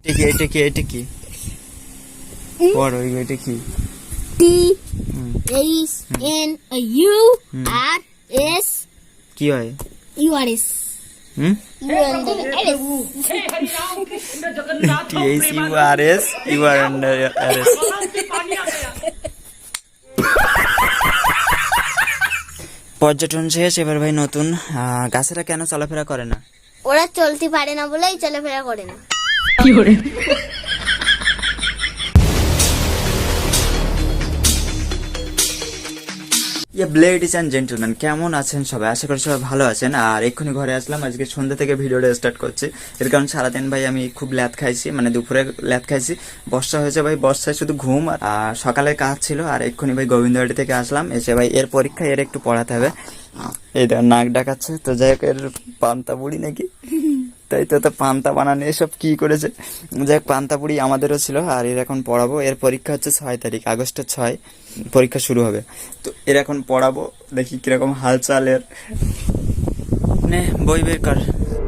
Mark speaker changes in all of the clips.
Speaker 1: এটা কি পড় ওই এটা কি
Speaker 2: THNURS
Speaker 1: কি হয়
Speaker 2: URS
Speaker 1: THURS you are under arrest পর্যটন শেষ এবার ভাই নতুন গাছেরা কেন চলাফেরা করে না
Speaker 2: ওরা চলতে পারে না বলেই চলাফেরা করে না
Speaker 3: কি করে
Speaker 1: লেডিজ এন্ড জেন্টলম্যান কেমন আছেন সবাই আশা করি সবাই ভালো আছেন আর এক্ষুনি ঘরে আসলাম আজকে সন্ধ্যা থেকে ভিডিওটা স্টার্ট করছি এর কারণ সারাদিন ভাই আমি খুব ল্যাদ খাইছি মানে দুপুরে ল্যাদ খাইছি বর্ষা হয়েছে ভাই বর্ষায় শুধু ঘুম আর সকালে কাজ ছিল আর এক্ষুনি ভাই গোবিন্দবাড়ি থেকে আসলাম এসে ভাই এর পরীক্ষা এর একটু পড়াতে হবে এই দেখ নাক ডাকাচ্ছে তো যাই হোক এর পান্তা বুড়ি নাকি তাই তো পান্তা বানানো এসব কি করেছে যাই হোক পান্তা বুড়ি আমাদেরও ছিল আর এর এখন পড়াবো এর পরীক্ষা হচ্ছে 6 তারিখ আগস্টের 6 পরীক্ষা শুরু হবে তো এর এখন পড়াবো দেখি কিরকম হালচাল এর নে বই বের কর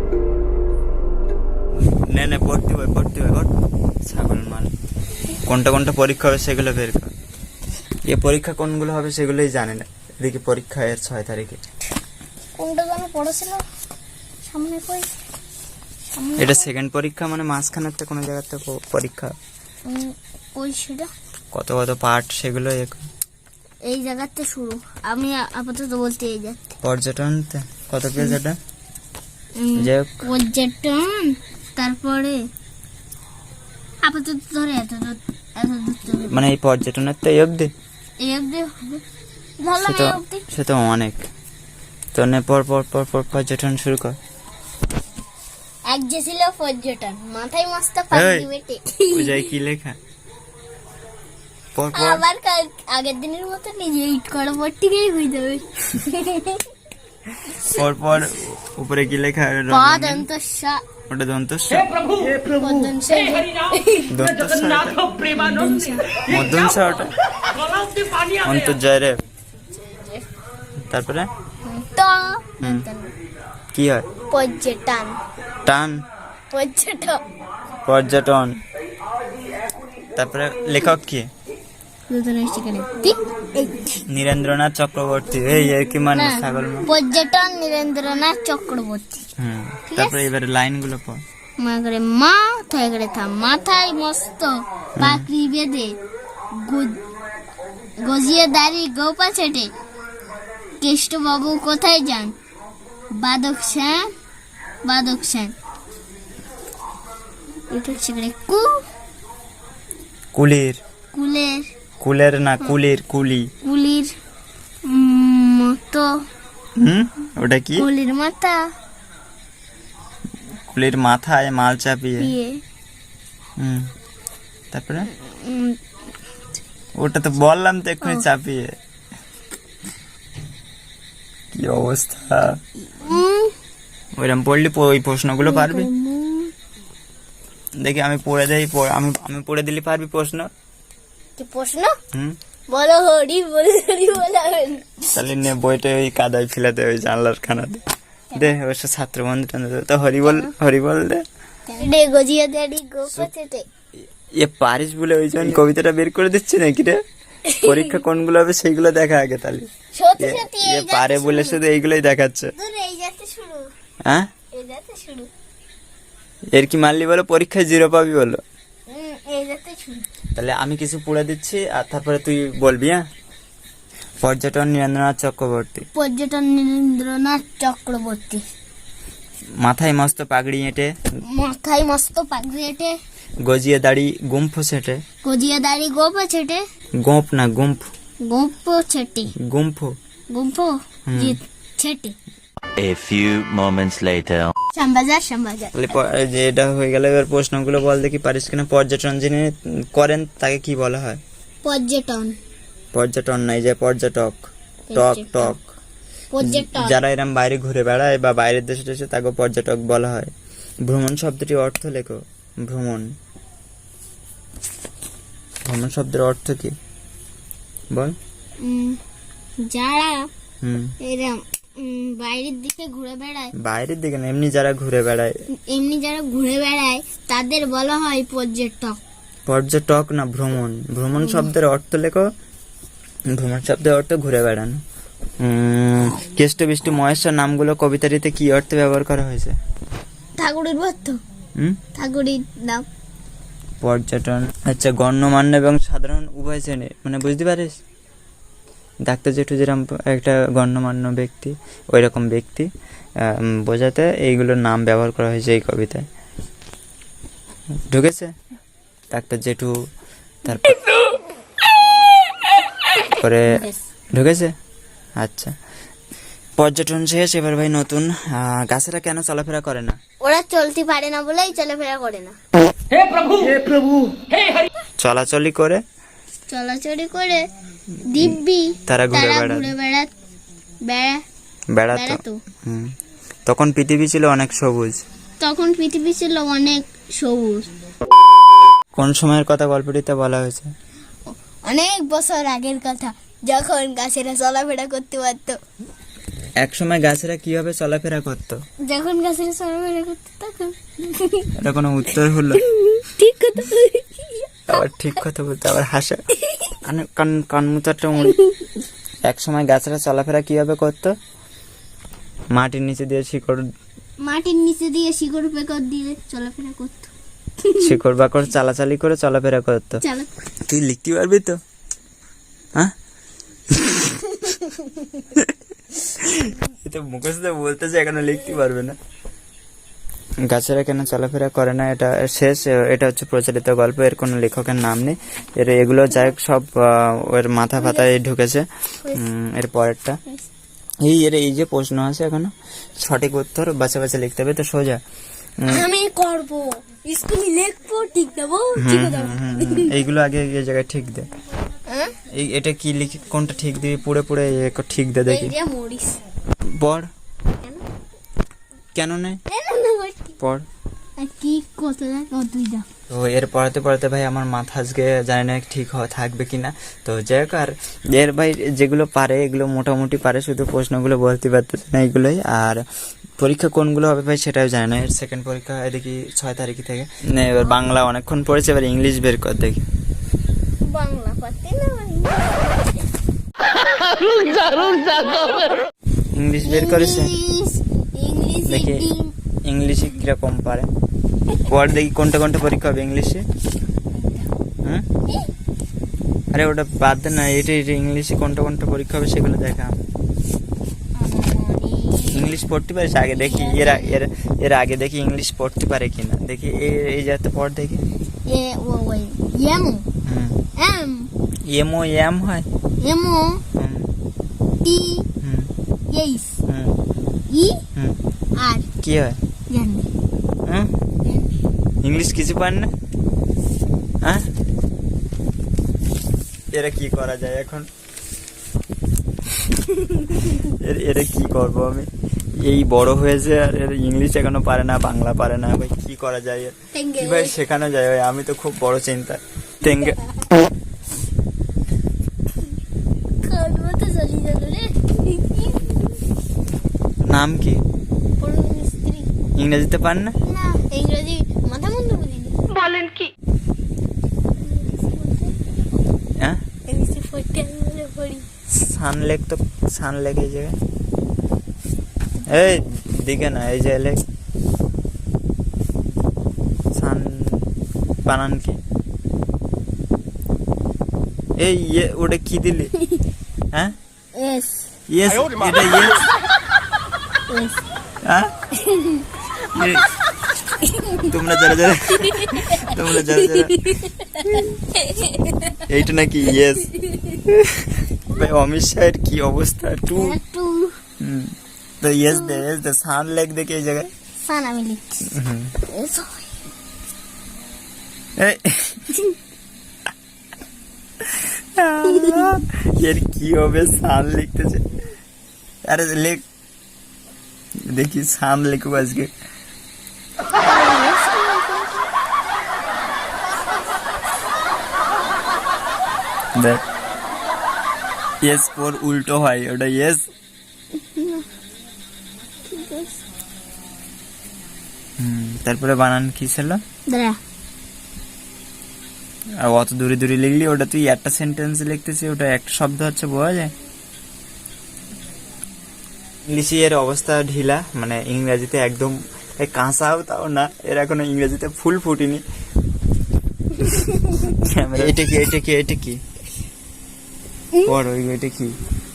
Speaker 1: নে পড়তে হয় ছাগল মাল কোনটা পরীক্ষা হবে সেগুলো বের কর এ পরীক্ষা কোনগুলো হবে সেগুলোই জানে না এদিকে পরীক্ষা এর 6 তারিখে
Speaker 2: কোনটা যেন পড়েছিল সামনে কই
Speaker 1: এটা সেকেন্ড পরীক্ষা মানে মাঝখানেতে কোনো জায়গাতে পরীক্ষা
Speaker 2: কই সেটা
Speaker 1: কত পার্ট সেগুলো
Speaker 2: এই জায়গাতে শুরু আমি আপাতত বলতে এই যাচ্ছি
Speaker 1: পর্যটন কত পেজ এটা যাই হোক
Speaker 2: পর্যটন তারপরে আপাতত ধরে এত দূর
Speaker 1: মানে এই পর্যটনের তো এই অবধি
Speaker 2: হবে ধরলাম এই অবধি
Speaker 1: সে তো অনেক তো নে পর পর্যটন শুরু কর
Speaker 2: এক যে ছিল পর্যটন মাথায় মস্ত পাগড়ি বেটে
Speaker 1: বুঝাই কি লেখা পর
Speaker 2: আবার আগের দিনের মতো নিজে ইট করা পড়তেই হয়ে যাবে
Speaker 1: পর উপরে কি লেখা
Speaker 2: দন্তস্যা
Speaker 1: ওটা দন্তস্য মধ্যংশ ওটা অন্তর্জয় রে তারপরে
Speaker 2: তো
Speaker 1: কি হয়
Speaker 2: পর্যটন
Speaker 1: টান পর্যটন তারপরে লেখক কি নীরেন্দ্রনাথ চক্রবর্তী এই আর কি মানে ছাগল
Speaker 2: পর্যটন নীরেন্দ্রনাথ চক্রবর্তী
Speaker 1: তারপরে এবারে লাইন গুলো পড়
Speaker 2: মাথায় করে থাম মাথায় মস্ত পাকড়ি বেঁধে গজিয়ে দাঁড়ি গোপা ছেটে কেষ্টবাবু কোথায় যান বাদক সেন এটা হচ্ছে
Speaker 1: কুলের না কুলির
Speaker 2: মতো
Speaker 1: ওটা কি কুলির মাথায় মাল চাপিয়ে তারপরে ওটা তো বললাম তো এক্ষুনি চাপিয়ে কি অবস্থা ওইরকম পড়লি ওই প্রশ্নগুলো পারবি দেখি আমি পড়ে দেই আমি পড়ে দিলি পারবি প্রশ্ন
Speaker 2: বলো হরি বলাবেন
Speaker 1: তাহলে নে বইটা ওই কাদায় ফেলাতে ওই জানলার খানাতে দে অবশ্য ছাত্র বন্ধু তো হরি বল দে
Speaker 2: গজিয়ে দাঁড়ি গোপা ছেটে
Speaker 1: পারিস বলে ওই জন্য কবিতাটা বের করে দিচ্ছি নাকি রে পরীক্ষা কোনগুলো হবে সেইগুলো দেখা আগে তাহলে পারে বলে শুধু এইগুলোই দেখাচ্ছে হ্যাঁ এর কি মানলি বলো পরীক্ষায় 0 পাবি বলো তাহলে আমি কিছু পড়ে দিচ্ছি আর তারপরে তুই বলবি হ্যাঁ পর্যটন নীরেন্দ্রনাথ চক্রবর্তী মাথায় মস্ত পাগড়ি এঁটে গজিয়ে দাড়ি গুম্ফ ছেটে গোপ না গুম্ফ
Speaker 2: ছেটে
Speaker 4: A few moments later.
Speaker 2: Shyambazar
Speaker 1: যে এটা হয়ে গেল এবার প্রশ্নগুলো বল দেখি পারিস কিনা পর্যটন যিনি করেন তাকে কি বলা হয় পর্যটন নাই যে পর্যটক টক যারা এরম বাইরে ঘুরে বেড়ায় বা বাইরের দেশে দেশে তাকে পর্যটক বলা হয় ভ্রমণ শব্দটি অর্থ লেখো ভ্রমণ শব্দের অর্থ কি বল
Speaker 2: যারা এরম বাইরের দিকে ঘুরে বেড়ায়,
Speaker 1: বাইরের দিকে না, এমনি যারা ঘুরে বেড়ায়।
Speaker 2: এমনি যারা ঘুরে বেড়ায় তাদের বলা হয় পর্যটক।
Speaker 1: পর্যটক না, ভ্রমণ। ভ্রমণ শব্দের অর্থ লেখো। ভ্রমণ শব্দের অর্থ ঘুরে বেড়ানো। কেষ্ট, বিষ্টু, মহেশ্বর নামগুলো কবিতাটিতে কি অর্থে ব্যবহার করা হয়েছে?
Speaker 2: ঠাকুরের ভক্ত, ঠাকুরের নাম।
Speaker 1: পর্যটন। আচ্ছা, গণ্যমান্য এবং সাধারণ উভয় শ্রেণীর, মানে বুঝতে পারিস? ডাক্তার জেঠু যেরকম একটা গণ্যমান্য ব্যক্তি, ওই রকম ব্যক্তি বোঝাতে এইগুলোর নাম ব্যবহার করা হয়েছে এই কবিতায়। ঢুকেছে? ডাক্তার জেঠু, তারপরে ঢুকেছে। আচ্ছা, পর্যটন শেষ, এবার ভাই নতুন। গাছেরা কেন চলাফেরা করে না?
Speaker 2: ওরা চলতে পারে না বলেই চলাফেরা করে না।
Speaker 1: চলাচলি করে,
Speaker 2: চলাচলি করে দিব্যি
Speaker 1: তারা ঘুরে বেড়াতো। তখন পৃথিবী ছিল অনেক সবুজ।
Speaker 2: তখন পৃথিবী ছিল অনেক সবুজ।
Speaker 1: কোন সময়ের কথা গল্পটিতে বলা হয়েছে?
Speaker 2: অনেক বছর আগের কথা, যখন গাছেরা চলাফেরা করতে পারতো।
Speaker 1: এক সময় গাছেরা কিভাবে চলাফেরা করতো?
Speaker 2: যখন গাছেরা চলাফেরা করতো তখন।
Speaker 1: এটা কোনো উত্তর হলো?
Speaker 2: ঠিক কথা।
Speaker 1: আবার ঠিক কথা বলতে আবার হাসা, কানমুচারটা এক সময় গাছেরা চলাফেরা কিভাবে করতো? মাটির নিচে দিয়ে শিকড় পেকড় দিয়ে চলাফেরা করতো।
Speaker 2: শিকড় বাকড়
Speaker 1: চালাচালি করে চলাফেরা করতো। তুই লিখতে পারবি তো? হ্যাঁ, এটা মুখস্থ বলতেছে, এখনো লিখতে পারবে না। গাছেরা কেন চলাফেরা করে না, এটা শেষ। এটা হচ্ছে প্রচলিত গল্প, এর কোনো লেখকের নাম নেই। এগুলো যাই হোক সব ওর মাথা ফাতায় ঢুকেছে। এর পরেরটা এই যে প্রশ্ন আছে এখনো সঠিক উত্তর বাছা বাছা লিখতে হবে, তো সোজা
Speaker 2: আমি করব, স্কুলে লিখবো, ঠিক দেবো।
Speaker 1: এইগুলো আগে এই জায়গায় ঠিক দে। এটা কি লিখি, কোনটা ঠিক দিবি? পুড়ে পুড়ে ঠিক দে দেখি। পড়। কেন নেই? পড়।
Speaker 2: কি কত তুই দা।
Speaker 1: তো এর পড়াতে পড়াতে ভাই আমার মাথা আজকে জানি না ঠিক থাকবে কিনা। তো যাই হোক, আর এর ভাই যেগুলো পারে এগুলো মোটামুটি পারে, শুধু প্রশ্নগুলো বলতে পারতেছে না এইগুলোই। আর পরীক্ষা কোনগুলো হবে ভাই সেটাও জানে না। এর সেকেন্ড পরীক্ষা দেখি 6 তারিখ থেকে। এবার বাংলা অনেকক্ষণ পড়েছে, এবার ইংলিশ বের কর দেখি।
Speaker 2: বাংলা পারতে না,
Speaker 1: ইংলিশ বের করেছে দেখি।
Speaker 2: ইংলিশ
Speaker 1: ইংলিশে কিরকম পারে পড় দেখি। কোনটা কোনটা পরীক্ষা হবে ইংলিশে? আরে ওটা বাদ দে না, এটা ইংলিশে কোনটা কোনটা পরীক্ষা হবে সেগুলো দেখা। ইংলিশ পড়তে পারিস আগে দেখি। এর আগে দেখি ইংলিশ পড়তে পারে কিনা দেখি। এই যাতে পড় দেখি। এমও এম হয়,
Speaker 2: এমও টি এইস ই আর
Speaker 1: কি হয়?
Speaker 2: জানি
Speaker 1: ইংলিশ কিছু পান না? হ্যাঁ, এরা কি করা যায় এখন? এরা কি করবো আমি? এই বড় হয়েছে আর এর ইংলিশ এখনো পারে না, বাংলা পারে না। ভাই কি করা যায়? ভাই শেখানো যায় ভাই, আমি তো খুব বড় চিন্তা। তেঙ্গে নাম কি? ইংরেজিতে পান না?
Speaker 2: ইংরেজি মাথা মন্দ বুঝিনি। বলেন কি?
Speaker 1: হ্যাঁ,
Speaker 2: ইংরেজি পড়তে আমি পড়ি।
Speaker 1: সানলেক, তো সানলেক এই জায়গায়, এই দিকে না, এই যে লেক সান বানান কি? এই ওটা কি দিলি? হ্যাঁ,
Speaker 2: এস
Speaker 1: ইয়েস, এটা ইয়েস। হ্যাঁ, তোমরা যারা এইটা নাকি ইয়েস? ভাই অমিত শাহের কি অবস্থা? টু তো ইয়েস দে সান লেক দেখে এই জায়গায়
Speaker 2: সান আমি লিখছি।
Speaker 1: এর কি হবে? সান লিখতেছে। আরে লেখ দেখি, সান লিখবো আজকে। দেখ, ইয়েস পর উল্টো হয়, ওটা ইয়েস। তারপরে বানান কি ছিল?
Speaker 2: দাঁড়া,
Speaker 1: আর অত দূরে দূরে লিখলি, ওটা তুই একটা সেন্টেন্স লিখতেছি, ওটা একটা শব্দ হচ্ছে, বোঝা যায়। ইংলিশে এর অবস্থা ঢিলা, মানে ইংরেজিতে একদম কাঁচাও তাও না, এর এখনো ইংরেজিতে ফুল ফুটিনি। এটা কি এটা কি এটা কি পড়, ওই এটা কি?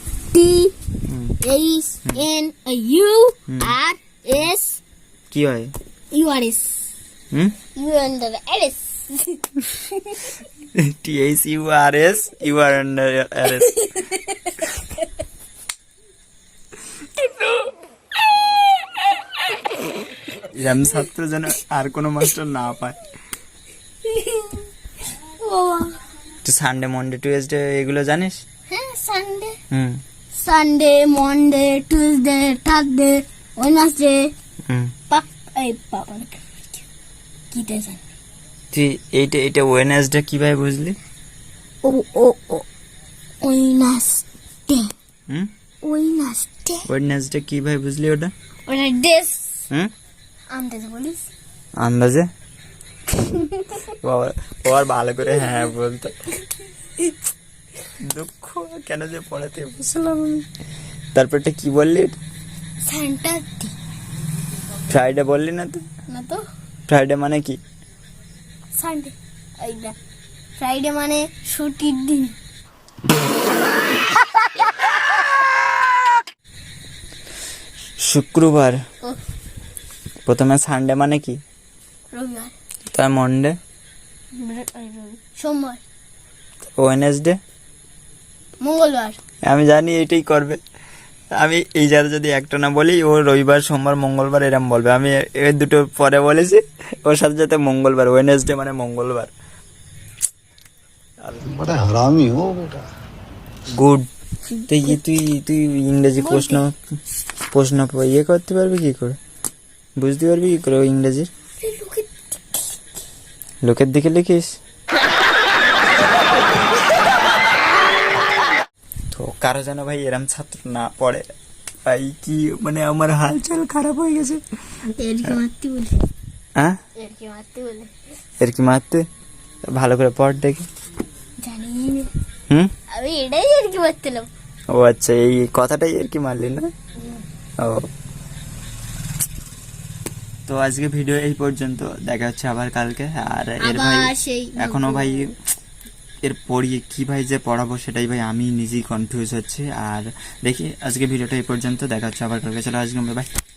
Speaker 2: THNURS
Speaker 1: কি হয়?
Speaker 2: URS
Speaker 1: hmm,
Speaker 2: URS
Speaker 1: THURS, you are under arrest. এরম ছাত্র যেন আর কোনো মাস্টার না পায়। তুই সানডে, মন্ডে, টুয়েসডে এগুলো জানিস?
Speaker 2: হ্যাঁ, Sunday,
Speaker 1: hmm
Speaker 2: Sunday, Monday, Tuesday, Thursday, Wednesday,
Speaker 1: হুম।
Speaker 2: কি দেন?
Speaker 1: তুই এইটা ওয়েডনেসডে কিভাবে বুঝলি?
Speaker 2: ও ও ও ওয়েডনেসডে,
Speaker 1: হুম,
Speaker 2: ওয়েডনেসডে,
Speaker 1: ওয়েডনেসডে কিভাবে বুঝলি ওটা?
Speaker 2: ওটা ডেস
Speaker 1: হুম,
Speaker 2: আন্দাজ বলিস।
Speaker 1: আন্দাজে? বাবা, ও আর ভালো করে হ্যাঁ বলতো। দুঃখ কেন যে পড়াতে বুঝলাম আমি। তারপরটা কি বললি?
Speaker 2: সান্টা
Speaker 1: ফ্রাইডে বললি না তো?
Speaker 2: না তো,
Speaker 1: ফ্রাইডে মানে কি?
Speaker 2: সানডে, এইটা ফ্রাইডে মানে ছুটির দিন।
Speaker 1: শুক্রবার।
Speaker 2: ও,
Speaker 1: প্রথমে সানডে মানে কি?
Speaker 2: রবিবার,
Speaker 1: তার মন্ডে,
Speaker 2: সোমবার,
Speaker 1: ওয়েডনেসডে।
Speaker 2: মঙ্গলবার।
Speaker 1: আমি জানি এটাই করবে। আমি এই যারা যদি একটা না বলি, ও রবিবার, সোমবার, মঙ্গলবার এরম বলবে। আমি এর দুটো পরে বলেছি, ওর সাথে সাথে মঙ্গলবার, ওয়েডনেসডে মানে মঙ্গলবার।
Speaker 3: बड़ा हरामी हो बेटा।
Speaker 1: গুড। তুই তুই ইংরেজি প্রশ্ন ইয়ে করতে পারবি কি করে? বুঝতে পারবি কি করে ওই ইংরেজির? লোকের দিকে লিখিস তো। কারো যেন ভাই এরম ছাত্র না পড়ে ভাই, কি মানে আমার হালচাল খারাপ হয়ে গেছে।
Speaker 2: এর কি মারতে বলে?
Speaker 1: হ্যাঁ,
Speaker 2: এর কি মারতে বলে?
Speaker 1: এর কি মারতে? ভালো করে পড় দেখি।
Speaker 2: জানি না,
Speaker 1: হুম,
Speaker 2: আমি এটাই এর কি মারতেলাম।
Speaker 1: ও আচ্ছা, এই কথাটাই আর কি মারলি না? ও, তো আজকে ভিডিও এই পর্যন্ত, দেখা হচ্ছে আবার কালকে। আর এর ভাই
Speaker 2: আবার সেই
Speaker 1: এখনো ভাই এর পড়িয়ে কি ভাই যে পড়াবো সেটাই ভাই আমি নিজেই কনফিউজ হচ্ছি। আর দেখি আজকে ভিডিওটা এই পর্যন্ত, দেখা হচ্ছে আবার কালকে। চলো আজকে বাই।